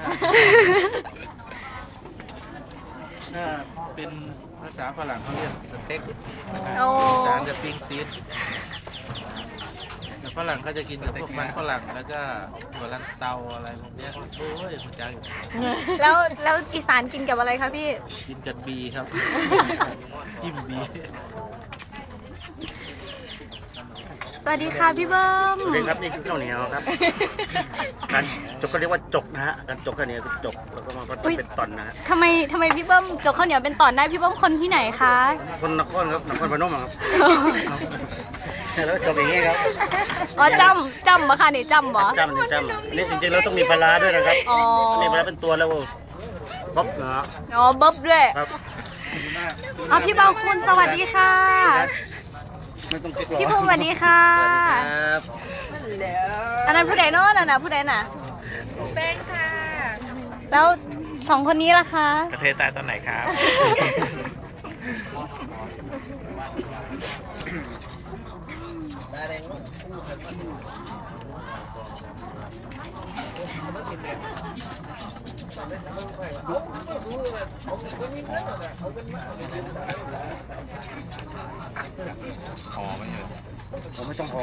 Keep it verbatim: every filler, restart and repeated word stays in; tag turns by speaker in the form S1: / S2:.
S1: ถ้าเป็นภาษาฝรั่งเขาเรียกสเต็ก
S2: โอ้
S1: อีสานจะปิ้งซีดแต่ฝรั่งเขาจะกินกับพวกมันฝรั่งแล้วก็หัวลันเตาอะไรพวกเนี้ยโอ้ยมันจัง
S2: แล้วแล้วอีสานกินกับอะไรคะพี่
S1: กินกับบีครับ จิ้มบี
S2: สวัสดีค่ะพี่เบิ้ม
S3: สวัสดีครับนี่คือข้าวเหนียวครับ การจกก็เรียกว่าจกนะฮะการจกข้าวเหนียวคือจกแล้วก็มันก็จะเป็นตอนนะฮะ
S2: ทำไมทำไมพี่เบิ้มจกข้าวเหนียวเป็นตอนได้พี่เบิ้มคนที่ไหนคะ
S3: คนนครครับนครพนมอะครับ แล้วจกอย่างนี้ครับ
S2: อ๋อจำจำบ่คะนี่จำบ่
S3: จำจำอันนี่จริงๆเราต้องมีปลาร้าด้วยนะครับ
S2: อ๋อ
S3: อันนี้ปลาร้าเป็นตัวแล้วบ๊อบนะฮะ
S2: อ๋อเบิ้บด้วย
S3: ครับ
S2: อ๋อพี่เบาคุณสวัสดีค่ะ
S3: ไม่ต้องคิดหรอก
S2: พี่ภูมิสวัสดีค่ะ
S3: ครับ
S2: อันนั้นผู้ใดเนาะนั่นน่ะผู้ใดน่ะแป้งค่ะ แล้วสองคนนี้ล่ะคะ
S4: กระเทยตายตอนไหนครับ อ๋อไม่เห็น
S3: ผมไม่ต้องพอ